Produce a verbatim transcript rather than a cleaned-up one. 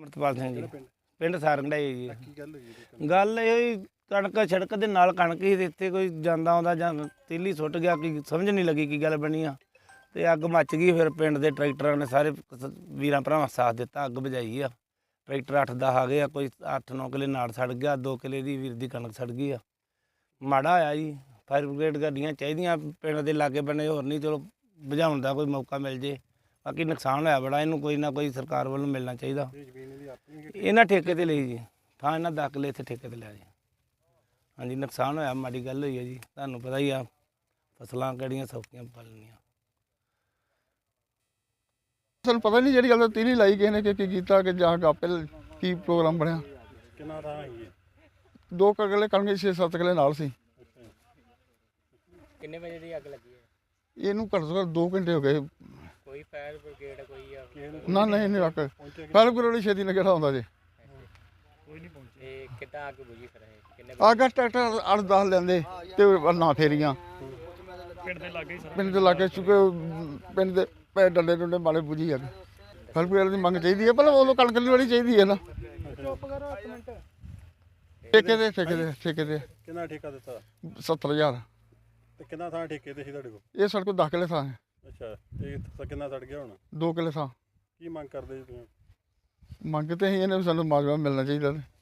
ਅਮਰਤਪਾਲ ਸਿੰਘ ਜੀ ਪਿੰਡ ਸਾਰੰਗੜਾਈ ਜੀ। ਗੱਲ ਇਹ ਕਣਕ ਸੜਕ ਦੇ ਨਾਲ ਕਣਕ ਹੀ ਇੱਥੇ ਕੋਈ ਜਾਂਦਾ ਆਉਂਦਾ ਜਾਂ ਤੀਲੀ ਸੁੱਟ ਗਿਆ, ਕੀ ਸਮਝ ਨਹੀਂ ਲੱਗੀ ਕੀ ਗੱਲ ਬਣੀ ਆ ਤੇ ਅੱਗ ਮੱਚ ਗਈ। ਫਿਰ ਪਿੰਡ ਦੇ ਟਰੈਕਟਰਾਂ ਨੇ ਸਾਰੇ ਵੀਰਾਂ ਭਰਾਵਾਂ ਸਾਥ ਦਿੱਤਾ, ਅੱਗ ਬੁਝਾਈ ਆ। ਟਰੈਕਟਰ ਅੱਠ ਦਸ ਆ ਗਏ ਆ, ਕੋਈ ਅੱਠ ਨੌ ਕਿੱਲੇ ਨਾੜ ਸੜ ਗਿਆ, ਦੋ ਕਿੱਲੇ ਦੀ ਵੀਰ ਦੀ ਕਣਕ ਸੜ ਗਈ ਆ। ਮਾੜਾ ਹੋਇਆ ਜੀ, ਫਾਇਰ ਬ੍ਰਿਗੇਡ ਗੱਡੀਆਂ ਚਾਹੀਦੀਆਂ ਪਿੰਡ ਦੇ ਲਾਗੇ ਬੰਨੇ, ਹੋਰ ਨਹੀਂ ਚਲੋ ਬੁਝਾਉਣ ਦਾ ਕੋਈ ਮੌਕਾ ਮਿਲ ਜੇ। ਬਾਕੀ ਨੁਕਸਾਨ ਹੋਇਆ ਬੜਾ, ਇਹਨੂੰ ਕੋਈ ਨਾ ਕੋਈ ਸਰਕਾਰ ਵੱਲੋਂ ਮਿਲਣਾ ਚਾਹੀਦਾ। ਇਹਨਾਂ ਠੇਕੇ 'ਤੇ ਲਈ ਜੀ, ਥਾਂ ਇਹਨਾਂ ਦਸ ਕਿੱਲੇ ਇੱਥੇ ਠੇਕੇ 'ਤੇ ਲਿਆ ਜੀ। ਹਾਂਜੀ ਨੁਕਸਾਨ ਹੋਇਆ, ਮਾੜੀ ਗੱਲ ਹੋਈ ਹੈ ਜੀ। ਤੁਹਾਨੂੰ ਪਤਾ ਹੀ ਆ ਫਸਲਾਂ ਕਿਹੜੀਆਂ ਸੌਖੀਆਂ ਪਾਲਣੀਆਂ। ਸਾਨੂੰ ਪਤਾ ਨਹੀਂ ਜਿਹੜੀ ਗੱਲ ਤੀਲੀ ਲਾਈ ਕਿਸੇ ਨੇ ਕਿ ਕੀ ਕੀਤਾ ਕਿ ਜਾਂ ਆਪੇ ਕੀ ਪ੍ਰੋਗਰਾਮ ਬਣਿਆ। ਕਿੰਨਾ ਥਾਂ ਹੈ? ਦੋ ਕਿੱਲੇ ਕਣਕ ਛੇ ਸੱਤ ਕਿੱਲੇ ਨਾਲ ਸੀ। ਕਿੰਨੇ ਵਜੇ ਦੀ ਅੱਗ ਲੱਗੀ ਹੈ? ਇਹਨੂੰ ਘੱਟ ਤੋਂ ਘੱਟ ਦੋ ਘੰਟੇ ਹੋ ਗਏ। ਕੋਈ ਫਾਇਰ ਬ੍ਰਿਗੇਡ ਕੋਈ ਆ? ਨਾ ਨਹੀਂ ਨਹੀਂ ਰੱਖ ਫਾਇਰ ਬ੍ਰਿਗੇਡ ਛੇਤੀ ਨਾਲ ਕਿਹੜਾ ਆਉਂਦਾ ਜੇ। ਕੋਈ ਨਹੀਂ ਪਹੁੰਚਿਆ। ਤੇ ਕਿੱਦਾਂ ਅੱਗ ਬੁਝੀ ਫਿਰ ਇਹ? ਕਿੰਨੇ ਆਗਾ ਟਰੈਕਟਰ ਅੱਠ ਦਸ ਲੈਂਦੇ ਤੇ ਨਾ ਫੇਰੀਆਂ ਪਿੰਡ ਦੇ ਲਾਗੇ ਹੀ ਪਿੰਡ ਦੇ ਲਾਗੇ ਚੁੱਕੇ ਪਿੰਡ ਦੇ ਪੈ ਡੰਡੇ ਡੁੰਡੇ ਮਾਲੇ ਬੁਝੀ ਆ। ਫਾਇਰ ਬ੍ਰਿਗੇਡ ਦੀ ਮੰਗ ਚਾਹੀਦੀ ਹੈ, ਪਰ ਉਹ ਕਣਕ ਦੀ ਵਾਲੀ ਚਾਹੀਦੀ ਹੈ ਨਾ। ਠੇਕੇ ਦੇ ਠੇਕੇ ਦੇ ਠੇਕੇ ਦੇ ਕਿੰਨਾ ਠੇਕਾ ਦਿੱਤਾ? ਸੱਤਰ ਹਜ਼ਾਰ। ਤੇ ਕਿੰਨਾ ਥਾਂ ਠੇਕੇ ਤੇ ਸੀ ਤੁਹਾਡੇ ਕੋਲ? ਇਹ ਸਾਡੇ ਕੋਲ ਦਸ ਕਿੱਲੇ ਥਾਂ ਹੈ। ਅੱਛਾ, ਤੇ ਕਿੰਨਾ ਸੜ ਗਿਆ ਹੁਣ? ਦੋ ਕਿੱਲੇ ਥਾਂ। ਕੀ ਮੰਗ ਕਰਦੇ ਜੀ ਤੁਸੀਂ? ਮੰਗ ਤੇ ਅਸੀਂ ਇਹਨੇ ਸਾਨੂੰ ਮਾਜਵਾ ਮਿਲਣਾ ਚਾਹੀਦਾ।